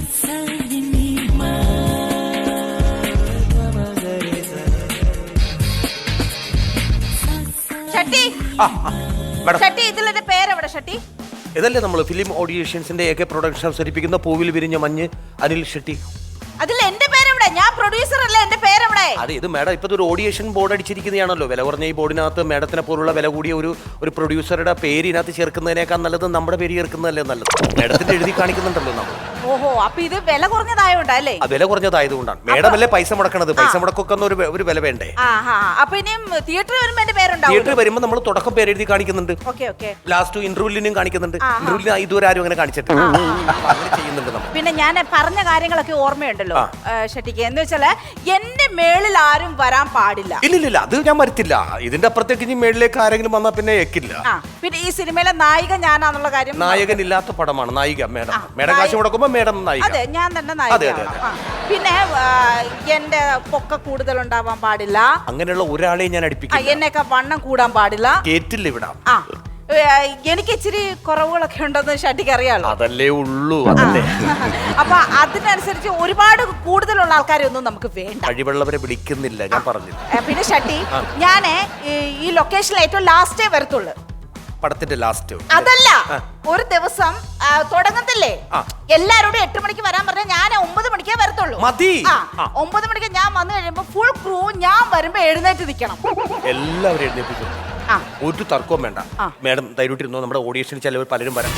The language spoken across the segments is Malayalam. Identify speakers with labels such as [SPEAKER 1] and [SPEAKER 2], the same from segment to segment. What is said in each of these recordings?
[SPEAKER 1] ഇതല്ലേ നമ്മൾ ഫിലിം ഓഡിയേഷൻസിന്റെ ഒക്കെ പ്രൊഡക്ഷൻ അവതരിപ്പിക്കുന്ന പൂവിൽ വിരിഞ്ഞ മഞ്ഞ് അനിൽ ഷെട്ടി.
[SPEAKER 2] അതിൽ എന്റെ പേരെവിടെ? ഞാൻ പ്രൊഡ്യൂസർ അല്ലേ, എന്റെ പേരെവിടെ?
[SPEAKER 1] അതെ, ഇത് മേഡം ഇപ്പൊ ഒരു ഓഡിയേഷൻ ബോർഡ് അടിച്ചിരിക്കുന്നതാണല്ലോ. വില കുറഞ്ഞ ഈ ബോർഡിനകത്ത് മേഡത്തിനെ പോലുള്ള വില കൂടിയ ഒരു പ്രൊഡ്യൂസറുടെ പേര് ഇതിനകത്ത് ചേർക്കുന്നതിനേക്കാൾ നല്ലത് നമ്മുടെ പേര് ചേർക്കുന്നതല്ലേ നല്ലത്. മേഡത്തിന്റെ എഴുതി കാണിക്കുന്നുണ്ടല്ലോ നമ്മൾ.
[SPEAKER 2] ഓഹോ, അപ്പൊ ഇത് വില കുറഞ്ഞതായോണ്ടല്ലേ?
[SPEAKER 1] വില കുറഞ്ഞതായതുകൊണ്ടാണ്. മേഡം അല്ലേ പൈസ മുടക്കണത്. പൈസ മുടക്കൊക്കെ ഒരു വില വേണ്ടേ?
[SPEAKER 2] അപ്പൊ ഇനിയും തിയേറ്ററിൽ വരുമ്പോ എന്റെ പേരുണ്ടാവും.
[SPEAKER 1] തിയേറ്ററിൽ വരുമ്പോൾ നമ്മൾ തുടക്കം പേര് എഴുതി കാണിക്കുന്നുണ്ട്. ലാസ്റ്റ് ഇന്റർവ്യൂലിനും കാണിക്കുന്നുണ്ട്. ഇന്റർവ്യൂലിന് ഇതുവരെ ആരും അങ്ങനെ കാണിച്ചിട്ടില്ല. അങ്ങനെ ചെയ്യുന്നുണ്ട് നമ്മൾ.
[SPEAKER 2] പിന്നെ ഞാൻ പറഞ്ഞ കാര്യങ്ങളൊക്കെ ഓർമ്മയുണ്ടല്ലോ ഷെട്ടിക്ക്. എന്ന് വെച്ചാല് എന്റെ മേളിൽ ആരും വരാൻ പാടില്ല.
[SPEAKER 1] ഇല്ലില്ല, അത് ഞാൻ വരുത്തില്ല. ഇതിന്റെ അപ്പുറത്തേക്ക് ഇനി മേളിലേക്ക് ആരെങ്കിലും വന്നാൽ പിന്നെ ഏക്കില്ല.
[SPEAKER 2] പിന്നെ ഈ സിനിമയിലെ നായിക ഞാനാന്നുള്ള കാര്യം.
[SPEAKER 1] നായകനില്ലാത്ത പടമാണ് നായിക. മേഡം കാശ് മുടക്കുമ്പോ മേഡം നായിക.
[SPEAKER 2] അതെ, ഞാൻ തന്നെ നായിക. പിന്നെ എന്റെ പൊക്ക കൂടുതൽ ഉണ്ടാവാൻ പാടില്ല.
[SPEAKER 1] അങ്ങനെയുള്ള ഒരാളെ ഞാൻ അടുപ്പിക്കില്ല.
[SPEAKER 2] എന്നൊക്കെ വണ്ണം കൂടാൻ പാടില്ല.
[SPEAKER 1] കേറ്റില്ല ഇവിടെ.
[SPEAKER 2] എനിക്ക് ഇച്ചിരി കുറവുകളൊക്കെ ഉണ്ടെന്ന് ഷട്ടിക്ക് അറിയാലോ.
[SPEAKER 1] അതല്ലേ ഉള്ളൂ.
[SPEAKER 2] അപ്പൊ അതിനനുസരിച്ച് ഒരുപാട് കൂടുതലുള്ള ആൾക്കാരെ ഒന്നും നമുക്ക് വേണ്ട.
[SPEAKER 1] കഴിവുള്ളവരെ വിളിക്കുന്നില്ല, ഞാൻ പറഞ്ഞു.
[SPEAKER 2] പിന്നെ ഷട്ടി, ഞാന് ഈ ലൊക്കേഷനിൽ ഏറ്റവും ലാസ്റ്റേ വരത്തുള്ളൂ.
[SPEAKER 1] പടത്തിന്റെ ലാസ്റ്റ്
[SPEAKER 2] അതല്ല, ഒരു ദിവസം തുടങ്ങത്തില്ലേ, എല്ലാരോടും 8 മണിക്ക് വരാൻ പറഞ്ഞാൽ ഞാൻ 9 മണിക്കേ വരത്തുള്ളൂ. 9 മണിക്ക് ഞാൻ വന്നു കഴിയുമ്പോ ഫുൾ ക്രൂ ഞാൻ വരുമ്പോ എഴുന്നേറ്റ് നിൽക്കണം.
[SPEAKER 1] എല്ലാവരും എഴുന്നേപ്പിക്കും. ഒരു തർക്കവും വേണ്ട. മേഡം ധൈര്യമായിട്ടിരുന്നോ. നമ്മുടെ ഓഡിയേഷനിൽ ചിലവർ പലരും വരാം.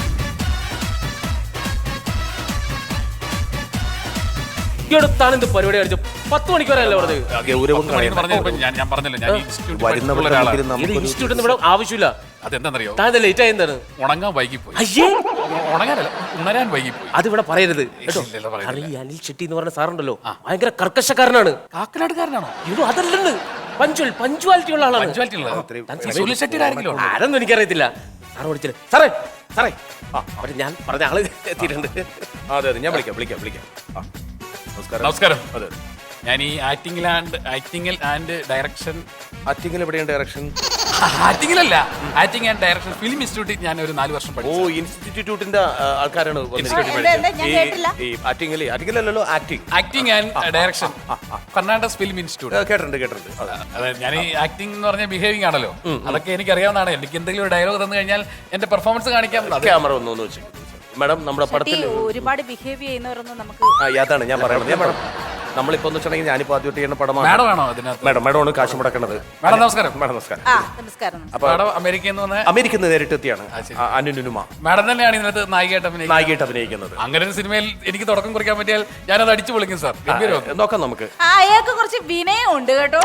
[SPEAKER 3] പരിപാടി കാണിച്ചു 10 മണിക്ക് വരാനല്ലേ പറഞ്ഞത്?
[SPEAKER 1] ഗൗരവം
[SPEAKER 4] ഞാൻ പറഞ്ഞല്ലോ,
[SPEAKER 3] ഇൻസ്റ്റിറ്റ്യൂട്ടിൽ ഇവിടെ ആവശ്യമില്ല.
[SPEAKER 4] അതെന്താണെന്നറിയോ?
[SPEAKER 3] താൻ ലേറ്റ് ആയി. എന്താണ്?
[SPEAKER 4] ഉണങ്ങാൻ വൈകിപ്പോയി. ഉണങ്ങാനല്ല, ഉണരാൻ വൈകിപ്പോയി.
[SPEAKER 3] അതിവിടെ പറയരുത്. ഈ അനിൽ ഷെട്ടി എന്ന് പറഞ്ഞ സാറുണ്ടല്ലോ, ഭയങ്കര കർക്കശക്കാരനാണ്.
[SPEAKER 4] കാക്കനാടുകാരനാണോ?
[SPEAKER 3] ഇത് അതല്ലെന്ന്, പഞ്ച്വാലിറ്റി ഉള്ള ആളാണ്. ആരെന്നും എനിക്കറിയത്തില്ല. സാറ് വിളിച്ചില്ല. സാറേ സാറേ ഞാൻ പറഞ്ഞ ആള് എത്തിയിട്ടുണ്ട്.
[SPEAKER 1] അതെ അതെ, ഞാൻ വിളിക്കാം.
[SPEAKER 4] നമസ്കാരം. അതെ, ഞാൻ ഈ ആക്ടിംഗിൽ ആൻഡ് ഡയറക്ഷൻ.
[SPEAKER 1] ആക്ടിംഗിൽ എവിടെയാണ് ഡയറക്ഷൻ?
[SPEAKER 4] ആക്ടിംഗിലല്ല, ആക്ടിംഗ് ആൻഡ് ഡയറക്ഷൻ ഫിലിം ഇൻസ്റ്റിറ്റ്യൂട്ടിൽ ഞാൻ ഒരു 4 വർഷം പഠിച്ചു.
[SPEAKER 1] ഇൻസ്റ്റിറ്റ്യൂട്ടിന്റെ ആൾക്കാരാണ്.
[SPEAKER 4] Acting and direction Karnataka film institute.
[SPEAKER 1] കേട്ടിട്ടുണ്ട്.
[SPEAKER 4] ഞാൻ ഈ ആക്ടിംഗ് എന്ന് പറഞ്ഞ ബിഹേവിംഗ് ആണല്ലോ, അതൊക്കെ എനിക്ക് അറിയാവുന്നതാണ്. എനിക്ക് എന്തെങ്കിലും ഒരു ഡയലോഗ് തന്നു കഴിഞ്ഞാൽ എന്റെ പെർഫോമൻസ് കാണിക്കാം.
[SPEAKER 1] ക്യാമറ ഒന്ന് വെച്ചു മാഡം. നമ്മുടെ പടത്തിൽ
[SPEAKER 2] ഒരുപാട് ബിഹേവ് ചെയ്യുന്നവരൊന്നും നമുക്ക്
[SPEAKER 1] അതാണ് ഞാൻ പറയുന്നത്. മാഡം നമ്മളിപ്പോ വെച്ചിട്ടുണ്ടെങ്കിൽ ഞാനിപ്പോ ആദ്യമായിട്ട് ചെയ്യുന്ന പടമാണ്. മേഡമാണ് കാശ് മുടക്കുന്നത്.
[SPEAKER 4] നമസ്കാരം. അപ്പൊ അമേരിക്കയിൽ നിന്ന്
[SPEAKER 1] നേരിട്ട് എത്തിയാണ് അനുനുമ.
[SPEAKER 4] മാഡം തന്നെയാണ് ഇതിനകത്ത്
[SPEAKER 1] നായികയായിട്ട് അഭിനയിക്കുന്നത്.
[SPEAKER 4] അങ്ങനെ ഒരു സിനിമയിൽ എനിക്ക് തുടക്കം കുറിക്കാൻ പറ്റിയാൽ ഞാനത് അടിച്ചു പൊളിക്കും സാർ.
[SPEAKER 1] നോക്കാം നമുക്ക്.
[SPEAKER 2] അയാൾക്ക് കുറച്ച് വിനയം ഉണ്ട് കേട്ടോ.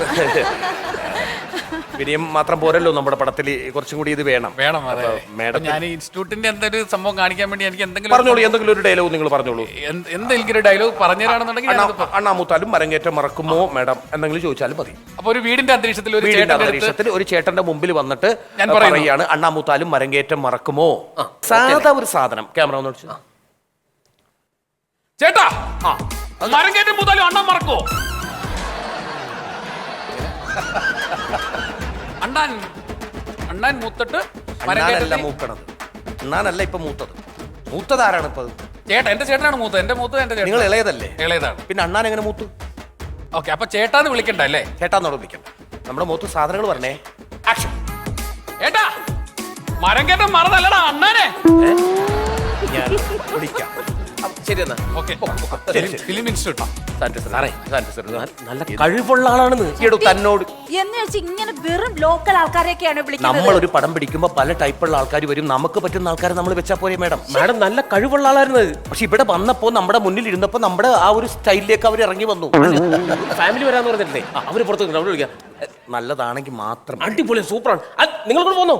[SPEAKER 1] വിനയം മാത്രം പോരല്ലോ, നമ്മുടെ പടത്തിൽ കുറച്ചും കൂടി ഇത് വേണം.
[SPEAKER 4] മേഡം, ഞാൻ ഇൻസ്റ്റിറ്റ്യൂട്ടിന്റെ എന്തൊരു സംഭവം കാണിക്കാൻ വേണ്ടി എനിക്ക്
[SPEAKER 1] എന്തെങ്കിലും ഒരു ഡയലോഗ് നിങ്ങൾ പറഞ്ഞോളൂ.
[SPEAKER 4] എന്തെങ്കിലും ഒരു ഡയലോഗ് പറഞ്ഞുതരാണെന്നുണ്ടെങ്കിൽ
[SPEAKER 1] അണ്ണാമൂത്താലും മരങ്ങേറ്റം മറക്കുമോ മേഡം എന്തെങ്കിലും ചോദിച്ചാലും മതി.
[SPEAKER 4] അപ്പൊ ഒരു വീടിന്റെ അന്തരീക്ഷത്തിൽ
[SPEAKER 1] ഒരു ചേട്ടന്റെ മുമ്പിൽ വന്നിട്ട് ഞാൻ പറയുകയാണ്, അണ്ണാമൂത്താലും മരങ്ങേറ്റം മറക്കുമോ. സാധാ ഒരു സാധനം. ക്യാമറ ഒന്ന് വെച്ചു.
[SPEAKER 4] ചേട്ടാ, മരങ്ങേറ്റം മൂത്താലും അണ്ണാൻ മറക്കോ? അണ്ണാൻ മൂത്തിട്ട്
[SPEAKER 1] അണ്ണാനല്ല മൂക്കണത്. അണ്ണാനല്ല ഇപ്പൊ മൂത്തത് ആരാണ് ഇപ്പൊ?
[SPEAKER 4] ചേട്ടാ, എന്റെ ചേട്ടനാണ് മൂത്തത്. എന്റെ മൂത്തത് എന്റെ ചേട്ടൻ.
[SPEAKER 1] നിങ്ങൾ ഇളയതല്ലേ?
[SPEAKER 4] ഇളയതാണ്.
[SPEAKER 1] പിന്നെ അണ്ണാൻ എങ്ങനെ മൂത്തു?
[SPEAKER 4] ഓക്കെ, അപ്പൊ ചേട്ടാന്ന് വിളിക്കണ്ട അല്ലേ?
[SPEAKER 1] ചേട്ടാന്നോട് വിളിക്കണ്ട. നമ്മുടെ മൂത്ത് സാധനങ്ങൾ പറഞ്ഞേ. ആക്ഷൻ.
[SPEAKER 4] ഏട്ടാ, മരം കേട്ട മറന്നല്ലടാ അണ്ണാനെ.
[SPEAKER 1] ഞാൻ വിളിക്കാം. ശരി എന്നാ. ഓക്കെ.
[SPEAKER 4] Film institute.
[SPEAKER 3] നല്ല കഴിവുള്ള ആളാണെന്ന്
[SPEAKER 1] തന്നോട്
[SPEAKER 2] എന്ന് വെച്ച് ഇങ്ങനെ വെറും ലോക്കൽ ആൾക്കാരെയൊക്കെയാണ് വിളിക്കുന്നത്.
[SPEAKER 1] നമ്മളൊരു പടം പിടിക്കുമ്പോ പല ടൈപ്പുള്ള ആൾക്കാർ വരും. നമുക്ക് പറ്റുന്ന ആൾക്കാരെ നമ്മൾ വെച്ചാൽ പോരെ മേഡം.
[SPEAKER 3] മാഡം നല്ല കഴിവുള്ള ആളായിരുന്നു.
[SPEAKER 1] പക്ഷെ ഇവിടെ വന്നപ്പോ നമ്മുടെ മുന്നിൽ ഇരുന്നപ്പോ നമ്മുടെ ആ ഒരു സ്റ്റൈലിലേക്ക് അവർ ഇറങ്ങി വന്നു.
[SPEAKER 3] ഫാമിലി വരാന്ന് പറഞ്ഞിട്ടില്ലേ, അവര് പുറത്ത് അവിടെ വിളിക്കാം.
[SPEAKER 1] നല്ലതാണെങ്കിൽ മാത്രം.
[SPEAKER 3] അടിപൊളി, സൂപ്പറാണ്. നിങ്ങൾ കൂടെ പോന്നോ?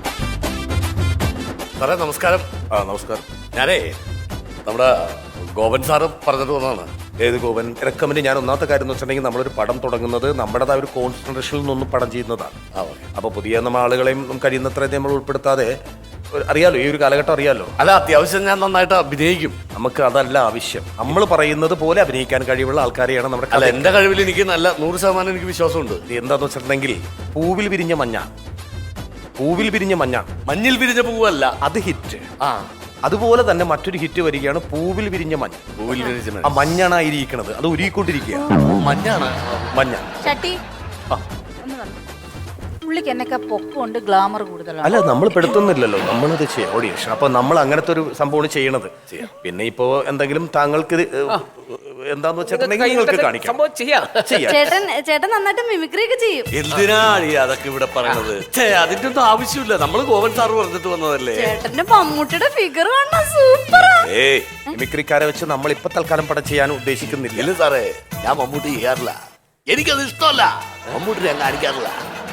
[SPEAKER 5] സാറേ നമസ്കാരം.
[SPEAKER 1] നമസ്കാരം.
[SPEAKER 5] ഞാനേ നമ്മുടെ ഗോപൻ സാറ് പറഞ്ഞിട്ട് വന്നതാണ്.
[SPEAKER 1] ഏത് ഗോപൻ? റെക്കമെൻഡ്. ഞാൻ ഒന്നാമത്തെ കാര്യം എന്ന് വെച്ചിട്ടുണ്ടെങ്കിൽ നമ്മളൊരു പടം തുടങ്ങുന്നത് നമ്മുടേതായ ഒരു കോൺസെൻട്രേഷനിൽ നിന്നും പടം ചെയ്യുന്നതാണ്. അപ്പോൾ പുതിയ നമ്മൾ ആളുകളെയും കഴിയുന്നത്ര നമ്മൾ ഉൾപ്പെടുത്താതെ, അറിയാലോ ഈ ഒരു കാലഘട്ടം അറിയാലോ.
[SPEAKER 5] അല്ല, അത്യാവശ്യം ഞാൻ നന്നായിട്ട് അഭിനയിക്കും.
[SPEAKER 1] നമുക്ക് അതല്ല ആവശ്യം. നമ്മൾ പറയുന്നത് പോലെ അഭിനയിക്കാൻ കഴിവുള്ള ആൾക്കാരെയാണ് നമ്മുടെ.
[SPEAKER 5] അല്ല, എന്റെ കഴിവിൽ എനിക്ക് നല്ല 100% എനിക്ക് വിശ്വാസമുണ്ട്.
[SPEAKER 1] എന്താന്ന് വെച്ചിട്ടുണ്ടെങ്കിൽ പൂവിൽ വിരിഞ്ഞ മഞ്ഞ. മഞ്ഞിൽ വിരിഞ്ഞ പൂവല്ല, അത് ഹിറ്റ്. അതുപോലെ തന്നെ മറ്റൊരു ഹിറ്റ് വരികയാണ് പൂവിൽ വിരിഞ്ഞ മഞ്ഞ.
[SPEAKER 5] പൂവിൽ വിരിഞ്ഞ മഞ്ഞ.
[SPEAKER 1] ആ മഞ്ഞാണ് ആയിരിക്കുന്നത്, അത് ഉരുകിക്കൊണ്ടിരിക്കുക.
[SPEAKER 5] മഞ്ഞാണ്.
[SPEAKER 1] മഞ്ഞ.
[SPEAKER 2] ചട്ടി ഒന്ന് വന്നോ. പുള്ളിക്ക് എന്നൊക്കെ പൊക്കമുണ്ട്, ഗ്ലാമർ കൂടുതലാണ്.
[SPEAKER 1] അല്ല, നമ്മൾ പെടുത്തുന്നില്ലല്ലോ, നമ്മളത് ചെയ്യാം ഓഡിയേഷൻ. അപ്പൊ നമ്മൾ അങ്ങനത്തെ ഒരു സംഭവമാണ് ചെയ്യണത്. പിന്നെ ഇപ്പോ എന്തെങ്കിലും താങ്കൾക്ക് എന്താന്ന് വെച്ചിട്ടുണ്ടെങ്കിൽ നിങ്ങൾക്ക് കാണിക്കാം.
[SPEAKER 3] സംഭവം ചെയ്യാം.
[SPEAKER 6] ചേട്ടൻ നന്നായിട്ട് മിമിക്രി ഒക്കെ ചെയ്യും.
[SPEAKER 5] എന്തിനാണ് ഈ അതൊക്കെ ഇവിടെ പറയണത്? അതിന്റെ ഒന്നും ആവശ്യമില്ല. നമ്മള് ഗോവൻ സാറ് പറഞ്ഞിട്ട് വന്നതല്ലേ.
[SPEAKER 6] ചേട്ടന്റെ മമ്മൂട്ടിയുടെ ഫിഗർ കാണാൻ സൂപ്പറാ.
[SPEAKER 1] മിമിക്രിക്കാരെ വെച്ച് നമ്മൾ ഇപ്പൊ തൽക്കാലം പടം ചെയ്യാൻ ഉദ്ദേശിക്കുന്നില്ല.
[SPEAKER 5] ഇല്ല സാറേ, ഞാൻ മമ്മൂട്ടി ചെയ്യാറില്ല. എനിക്കത് ഇഷ്ടമല്ല. മമ്മൂട്ടി ഞാൻ കാണിക്കാറില്ല.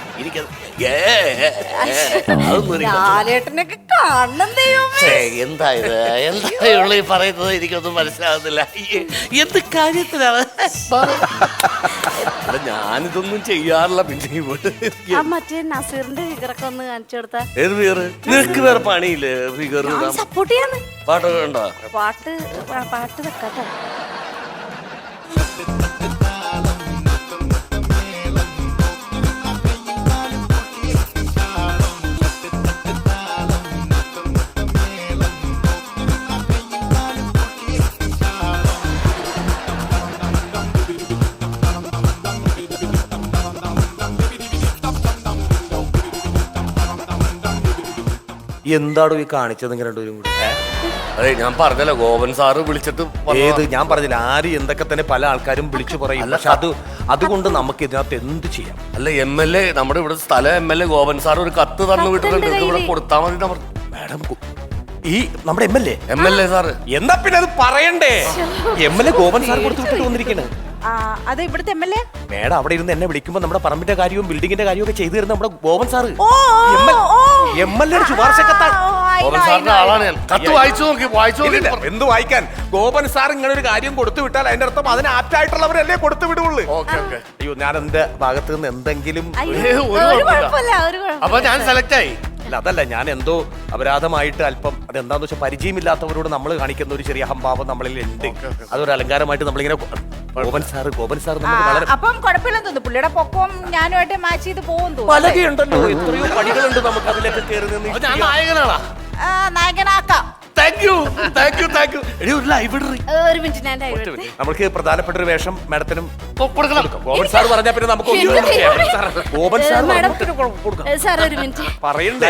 [SPEAKER 6] ലാലേട്ടനൊക്കെ കാണണം ദൈവമേ.
[SPEAKER 5] എന്താ ഇത്? എന്താ ഈ പറയുന്നത്? എനിക്കൊന്നും മനസ്സിലാകുന്നില്ല. എന്ത് കാര്യത്തിലാണ്? ഞാനിതൊന്നും ചെയ്യാറില്ല. പിന്നെ
[SPEAKER 6] മറ്റേ നസീറിന്റെ ഫിഗറൊക്കെ ഒന്ന് കാണിച്ചു കൊടുത്താ.
[SPEAKER 5] ഏത് ഫിഗർ? നിനക്ക് വേറെ പണിയില്ലേ? ഫിഗർ
[SPEAKER 6] സപ്പോർട്ട് ചെയ്യാന്ന്.
[SPEAKER 5] പാട്ടൊക്കെ ഉണ്ടോ?
[SPEAKER 6] പാട്ട് വെക്കാട്ടോ.
[SPEAKER 1] എന്താണോ ഈ കാണിച്ചത് ഇങ്ങനെ രണ്ടുപേരും കൂടി?
[SPEAKER 5] അതെ, ഞാൻ പറഞ്ഞല്ലോ, ഗോവൻ സാറ് വിളിച്ചിട്ട്
[SPEAKER 1] ഏത് ഞാൻ പറഞ്ഞില്ല, ആര് എന്തൊക്കെ തന്നെ പല ആൾക്കാരും വിളിച്ചു പറയും. പക്ഷെ അതുകൊണ്ട് നമുക്ക് ഇതിനകത്ത് എന്ത് ചെയ്യാം?
[SPEAKER 5] അല്ല, MLA നമ്മുടെ ഇവിടെ സ്ഥലം MLA ഗോവൻ സാർ ഒരു കത്ത് തന്നു വിട്ടിട്ടുണ്ട്. ഇത് ഇവിടെ കൊടുത്താൽ മതി.
[SPEAKER 1] മാഡം, ഈ നമ്മുടെ
[SPEAKER 5] MLA സാറ്
[SPEAKER 1] എന്താ പിന്നെ അത് പറയണ്ടേ? MLA ഗോവൻ സാർ കൊടുത്തു വിട്ടിട്ട് വന്നിരിക്കണേ.
[SPEAKER 2] അത് ഇവിടുത്തെ MLA
[SPEAKER 1] മേഡം അവിടെ ഇരുന്ന് എന്നെ വിളിക്കുമ്പോൾ നമ്മുടെ പറമ്പിന്റെ കാര്യവും ബിൽഡിങ്ങിന്റെ കാര്യവും ഒക്കെ ചെയ്തു തരുന്ന നമ്മുടെ ഗോവൻ സാറ്. MLA ശുപാർശ കത്താണ്.
[SPEAKER 5] ഗോവൻ സാറിന്റെ ആളാണ് ഞാൻ. കത്ത് വായിച്ചു നോക്കി.
[SPEAKER 1] എന്ത് വായിക്കാൻ? ഗോപൻ സാർ ഇങ്ങനെ ഒരു കാര്യം കൊടുത്തു വിട്ടാൽ അതിന്റെ അർത്ഥം അതിന് ആപ്റ്റായിട്ടുള്ളവരല്ലേ കൊടുത്തു വിടുള്ളൂ. അയ്യോ, ഞാൻ എന്റെ ഭാഗത്ത് നിന്ന് എന്തെങ്കിലും
[SPEAKER 5] അപ്പൊ ഞാൻ സെലക്ട് ആയി.
[SPEAKER 1] അല്ല, അതല്ല, ഞാൻ എന്തോ അപരാധമായിട്ട് അല്പം അതെന്താന്ന് വെച്ചാൽ പരിചയമില്ലാത്തവരോട് നമ്മൾ കാണിക്കുന്ന ഒരു ചെറിയ അഹംഭാവം നമ്മളിൽ ഉണ്ട്. അതൊരു അലങ്കാരമായിട്ട് നമ്മളിങ്ങനെ ഗോപൻ സാർ നമുക്ക് വളരെ
[SPEAKER 2] അപ്പം കുഴപ്പമില്ലെന്ന് തോന്നുന്നു. പുള്ളിയുടെ പൊക്കവും ഞാനുമായിട്ട് മാച്ച് ചെയ്ത് പോകുന്നു.
[SPEAKER 1] പലകയുണ്ടല്ലോ, എത്രയോ പണികളുണ്ട് നമുക്ക് അതിലൊക്കെ കയറി നിന്ന്.
[SPEAKER 5] ഞാൻ നായകനാണാ.
[SPEAKER 2] നായകനാക്കാം.
[SPEAKER 6] ഒരു മിനിറ്റ്.
[SPEAKER 1] നമുക്ക് പ്രധാനപ്പെട്ട ഒരു വേഷം മാഡത്തിനും
[SPEAKER 5] കൊടുക്കണം.
[SPEAKER 1] ഗോപൻ സാർ പറഞ്ഞാൽ പിന്നെ നമുക്ക് ഗോപൻ സാർ
[SPEAKER 6] സാർ ഒരു മിനിറ്റ്
[SPEAKER 1] പറയണ്ടേ?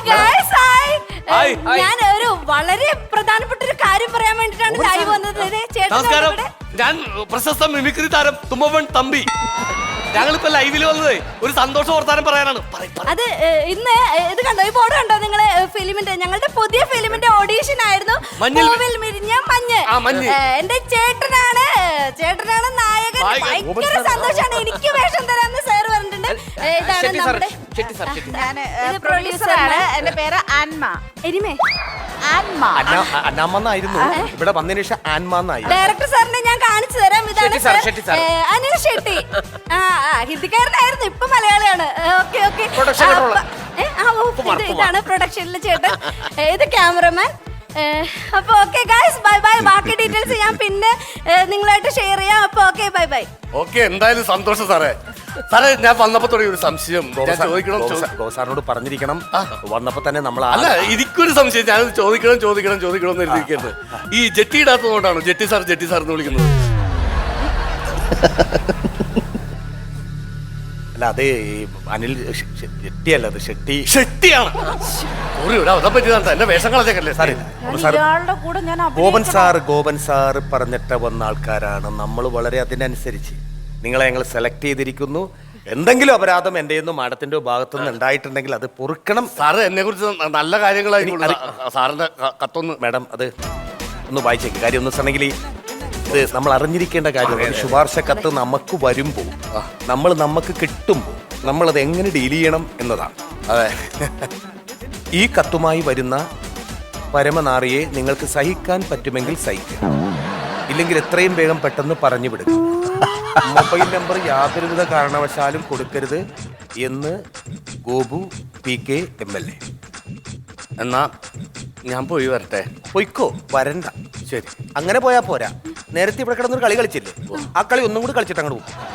[SPEAKER 6] ഞാൻ ഒരു വളരെ പ്രധാനപ്പെട്ട ഒരു കാര്യം പറയാൻ വേണ്ടിട്ടാണ് ലൈവ് വന്നത്.
[SPEAKER 5] നമസ്കാരം, ഞാൻ പ്രശസ്ത മിമിക്രി താരം തുമ്പവൻ തമ്പി. ഞങ്ങളിപ്പോ ലൈവിൽ വന്നത് ഒരു സന്തോഷ വർത്താനം പറയാനാണ്.
[SPEAKER 6] അത് ഇന്ന് ഇത് കണ്ടോ, ഈ ബോർഡ് കണ്ടോ നിങ്ങള്? ഫിലിമിന്റെ, ഞങ്ങളുടെ പുതിയ ഫിലിമിന്റെ ഓഡീഷൻ ആയിരുന്നു പൂവിൽ വിരിഞ്ഞ മഞ്ഞ്. എന്റെ ചേട്ടനാണ് നായകൻ. ഭയങ്കര സന്തോഷാണ്. എനിക്ക് വേഷം തരാന്ന് സാർ പറഞ്ഞിട്ടുണ്ട്. ഇതാണ് നമ്മുടെ
[SPEAKER 2] പ്രൊഡ്യൂസറാണ്. എന്റെ പേര് ആൻമ.
[SPEAKER 1] അന്നാമെന്നായിരുന്നു, ഇവിടെ വന്നതിന് ശേഷം ആൻമാന്നായി.
[SPEAKER 6] ഡയറക്ടർ സാറിനെ ഞാൻ കാണിച്ചു തരാം. ഇതാണ് അനിൽ ഷെട്ടി. ഹിന്ദിക്കാരനായിരുന്നു, ഇപ്പൊ മലയാളിയാണ്. ഓക്കെ. ഇതാണ് പ്രൊഡക്ഷനിലെ ചേട്ടൻ. ഇത് ക്യാമറമാൻ. അപ്പൊ ഓക്കെ ഗൈസ്, ബൈ ബൈ. ബാക്കി ഡീറ്റെയിൽസ് ഞാൻ പിന്നെ നിങ്ങളായിട്ട് ഷെയർ ചെയ്യാം. അപ്പൊ ഓക്കെ, ബൈ ബൈ.
[SPEAKER 5] ഓക്കെ, എന്തായാലും സന്തോഷം സാറേ. ഞാൻ വന്നപ്പോ തുടങ്ങി ഒരു സംശയം
[SPEAKER 1] സാറിനോട് പറഞ്ഞിരിക്കണം. വന്നപ്പോ തന്നെ നമ്മൾ
[SPEAKER 5] അല്ല, എനിക്കൊരു സംശയം. ഞാൻ ചോദിക്കണം എന്ന് എഴുതിയിരിക്കുന്നത്. ഈ ജെട്ടി ഇടാത്തതുകൊണ്ടാണോ ജെട്ടി സാർ എന്ന് വിളിക്കുന്നത്?
[SPEAKER 1] അല്ല, അത് അനിൽ ഷെട്ടിയല്ല, അത് ഷെട്ടിയാണ്.
[SPEAKER 5] എന്റെ വേഷങ്ങളൊക്കെ സാറേ.
[SPEAKER 1] ഗോപൻ സാർ പറഞ്ഞിട്ട് വന്ന ആൾക്കാരാണ് നമ്മൾ. വളരെ അതിനനുസരിച്ച് നിങ്ങളെ ഞങ്ങൾ സെലക്ട് ചെയ്തിരിക്കുന്നു. എന്തെങ്കിലും അപരാധം എന്റെ മാഡത്തിന്റെ ഭാഗത്തുനിന്ന് ഉണ്ടായിട്ടുണ്ടെങ്കിൽ അത് പൊറുക്കണം.
[SPEAKER 5] സാറ് എന്നെ കുറിച്ച് നല്ല കാര്യങ്ങളായിരിക്കും. സാറിന്റെ കത്തൊന്ന്
[SPEAKER 1] മാഡം അത് ഒന്ന് വായിച്ചേക്ക്. കാര്യം ഒന്ന് വെച്ചിട്ടുണ്ടെങ്കിൽ ഇത് നമ്മൾ അറിഞ്ഞിരിക്കേണ്ട കാര്യമാണ്. ശുപാർശ കത്ത് നമുക്ക് വരുമ്പോൾ, നമുക്ക് കിട്ടുമ്പോൾ നമ്മളത് എങ്ങനെ ഡീൽ ചെയ്യണം എന്നതാണ്.
[SPEAKER 5] അതെ.
[SPEAKER 1] ഈ കത്തുമായി വരുന്ന പരമനാറിയെ നിങ്ങൾക്ക് സഹിക്കാൻ പറ്റുമെങ്കിൽ സഹിക്കുക, ഇല്ലെങ്കിൽ എത്രയും വേഗം പെട്ടെന്ന് പറഞ്ഞു വിടുക. മൊബൈൽ നമ്പർ യാതൊരുവിധ കാരണവശാലും കൊടുക്കരുത് എന്ന് ഗോപു PK MLA.
[SPEAKER 5] എന്നാ ഞാൻ പോയി വരട്ടെ.
[SPEAKER 1] പൊയ്ക്കോ, വരണ്ട. ശരി, അങ്ങനെ പോയാ പോരാ. നേരത്തെ ഇവിടെ കിടന്നൊരു കളി കളിച്ചില്ലേ, ആ കളി ഒന്നും കൂടി കളിച്ചിട്ട് അങ്ങോട്ട് പോകും.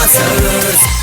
[SPEAKER 7] Brothers.